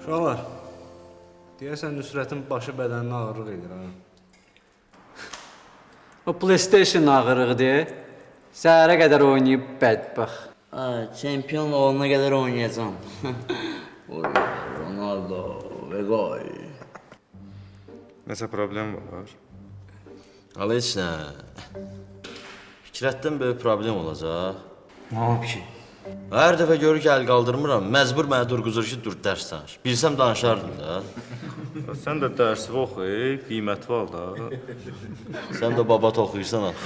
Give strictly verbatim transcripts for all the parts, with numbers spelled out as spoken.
Uşaqlar, deyəsən Nüsrətin başı bədəninə ağırlıq edir, ha? O PlayStation ağırlıqdır. Səhərə qədər oynayıb bədbəx. Hə, çempion olana qədər oynayacağam. Ronaldo və gol. Nəsə problem var? Hala heç nə. Fikrətdən böyük problem olacaq. Nə olub ki? Hər dəfə görür ki, əl qaldırmıram, məcbur mənə durquzur ki, dur dərs danış. Bilsəm danışardım da. Sən də dərsi oxu, qiymətli al da. Sən də babat oxuyursan ha.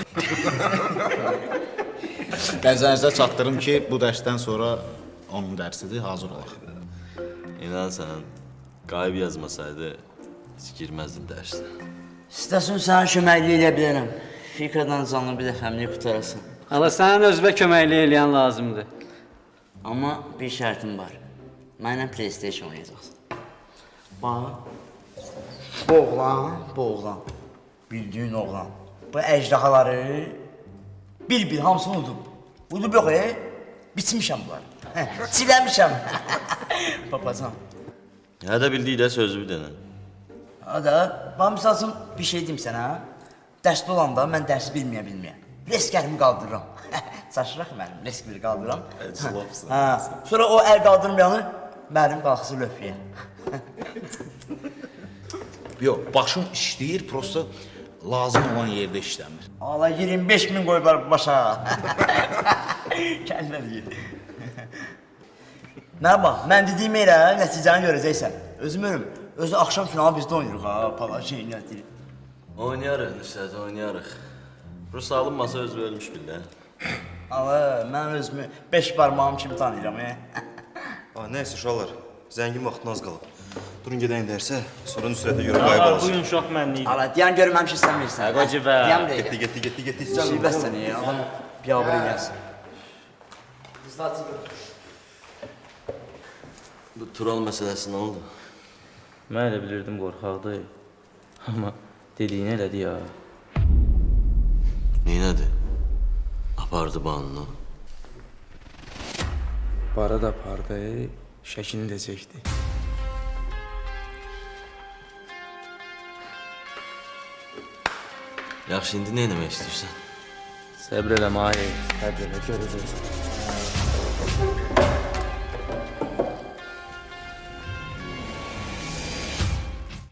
Qəzənizə çatdırım ki, bu dərsdən sonra onun dərsidir, hazır olaq. İnan sən, qayıb yazmasaydı, heç girməzdin dərsə. İstəsən sənə köməkli edə bilərəm. Fikradan canlı bir dəfəmlik qutarasın. Hala sənin özünə köməklik eləyən lazımdır. Amma bir şərtim var. Mənlə PlayStation oynayacaqsın. Bax. Bu oğlan, bu oğlan. Bildiyin oğlan. Bu əcdahaları bir-bir hamısını udub. Udub yox, e? Biçmişəm bunları. Çiləmişəm. Papacan. Hə də bildiyi də sözü bir dənə. Hada, bana misal üçün bir şey deyim sənə. Dərsdə olanda mən dərsi bilməyə bilməyə. Reskərimi qaldırıram. Çaşıraq mənim, reskimi qaldırıram. Əclabsan. Hə. Sonra o əl qaldırmayanı mənim qalxısı löfüyə. Yox, başım işləyir, prosta lazım olan yerdə işləmir. Allah iyirmi beş min qoyular başa. Kəlmə deyir. Mənə bax, mən dediyim elə nəticəni görəcəksən. Özüm ölüm. Özü axşam finalı bizdə oynayırıq ha, pala şey nədir. Oynayarıq Nüsrət, oynayarıq. Rus alınmasa özü ölmüş billə. Allah, mən özümü beş parmağım kimi tanıyıram. E? Nəysə uşaqlar, zəngin vaxtın az qalıb. Durun gedəyin dərsə, sonra Nüsrətə görə qayıb alacaq. Bugün çox mənliydim. Allah, deyən görməmişik sən bilirsən. Qocu bə. Deyən bir Getdi, getdi, getdi, getdi. Müsibət səni ya, adam biyabır eləyəsin. Bu Tural məsələsi nə oldu? Mən elə bilirdim qorxaqdır. Amma dediyini elədi ya. Neynədi? Apardı banını. Bara da apardı, şəkini də çəkdi. Yaxşı, indi nə eləmək istəyirsən? Səbr elə Mahir, səbr elə görəcəksən.